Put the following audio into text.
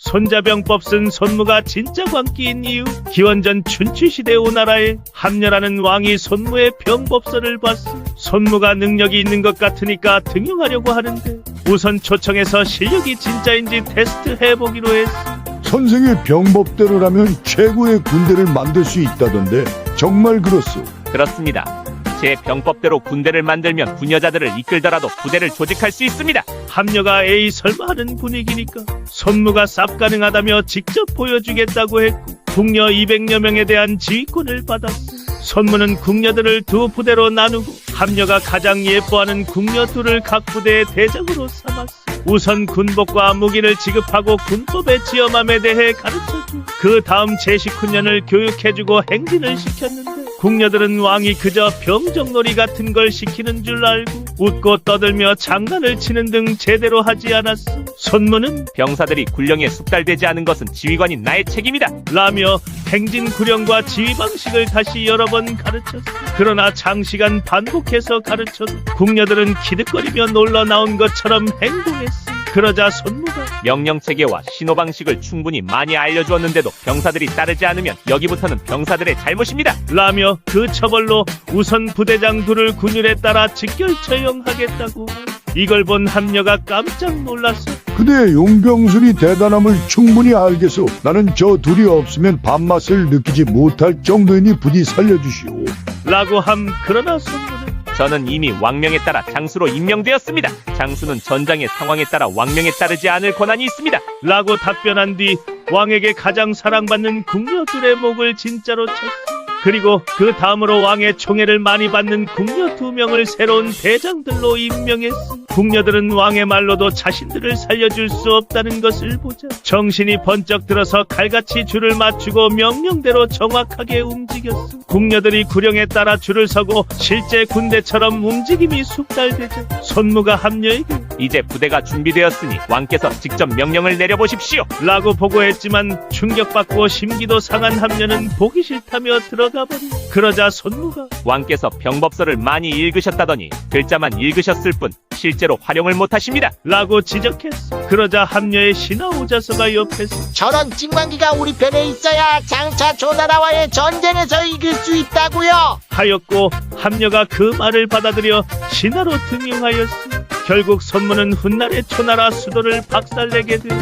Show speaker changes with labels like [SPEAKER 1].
[SPEAKER 1] 손자병법 쓴 손무가 진짜 광기인 이유. 기원전 춘추시대 오나라에 함녀라는 왕이 손무의 병법서를 봤어. 손무가 능력이 있는 것 같으니까 등용하려고 하는데 우선 초청해서 실력이 진짜인지 테스트해보기로 했어.
[SPEAKER 2] 선생의 병법대로라면 최고의 군대를 만들 수 있다던데 정말 그렇소?
[SPEAKER 3] 그렇습니다. 제 병법대로 군대를 만들면 부녀자들을 이끌더라도 부대를 조직할 수 있습니다.
[SPEAKER 1] 함녀가 에이 설마 하는 분위기니까 손무가 쌉 가능하다며 직접 보여주겠다고 했고 궁녀 200여 명에 대한 지휘권을 받았어. 손무는 궁녀들을 두 부대로 나누고 함녀가 가장 예뻐하는 궁녀 둘을 각 부대의 대장으로 삼았어. 우선 군복과 무기를 지급하고 군법의 지엄함에 대해 가르쳐주고 그 다음 제 식훈련을 교육해주고 행진을 시켰는데 궁녀들은 왕이 그저 병정놀이 같은 걸 시키는 줄 알고 웃고 떠들며 장난을 치는 등 제대로 하지 않았어. 손무는
[SPEAKER 3] 병사들이 군령에 숙달되지 않은 것은 지휘관인 나의 책임이다
[SPEAKER 1] 라며 행진 구령과 지휘 방식을 다시 여러 번 가르쳤어. 그러나 장시간 반복해서 가르쳐도 궁녀들은 기득거리며 놀러 나온 것처럼 행동했어. 그러자 손무가
[SPEAKER 3] 명령체계와 신호방식을 충분히 많이 알려주었는데도 병사들이 따르지 않으면 여기부터는 병사들의 잘못입니다
[SPEAKER 1] 라며 그 처벌로 우선 부대장 둘을 군율에 따라 직결 처형하겠다고. 이걸 본 함녀가 깜짝 놀랐어.
[SPEAKER 2] 그대의 용병술이 대단함을 충분히 알겠소. 나는 저 둘이 없으면 밥맛을 느끼지 못할 정도이니 부디 살려주시오.
[SPEAKER 1] 라고 함. 그러나 손무는
[SPEAKER 3] 저는 이미 왕명에 따라 장수로 임명되었습니다. 장수는 전장의 상황에 따라 왕명에 따르지 않을 권한이 있습니다
[SPEAKER 1] 라고 답변한 뒤 왕에게 가장 사랑받는 궁녀 둘의 목을 진짜로 쳤어. 그리고 그 다음으로 왕의 총애를 많이 받는 궁녀 2명을 새로운 대장들로 임명했어. 궁녀들은 왕의 말로도 자신들을 살려줄 수 없다는 것을 보자 정신이 번쩍 들어서 칼같이 줄을 맞추고 명령대로 정확하게 움직였어. 궁녀들이 구령에 따라 줄을 서고 실제 군대처럼 움직임이 숙달되자 손무가 함녀에게
[SPEAKER 3] 이제 부대가 준비되었으니 왕께서 직접 명령을 내려보십시오
[SPEAKER 1] 라고 보고했지만 충격받고 심기도 상한 함녀는 보기 싫다며 들어가 버리. 그러자 손무가
[SPEAKER 3] 왕께서 병법서를 많이 읽으셨다더니 글자만 읽으셨을 뿐 실제로 활용을 못하십니다
[SPEAKER 1] 라고 지적했어. 그러자 함녀의 신하 오자서가 옆에서
[SPEAKER 4] 저런 찐광기가 우리 편에 있어야 장차 조나라와의 전쟁에서 이길 수 있다고요.
[SPEAKER 1] 하였고 함녀가 그 말을 받아들여 신하로 등용하였어. 결국 손무는 훗날의 초나라 수도를 박살내게 돼.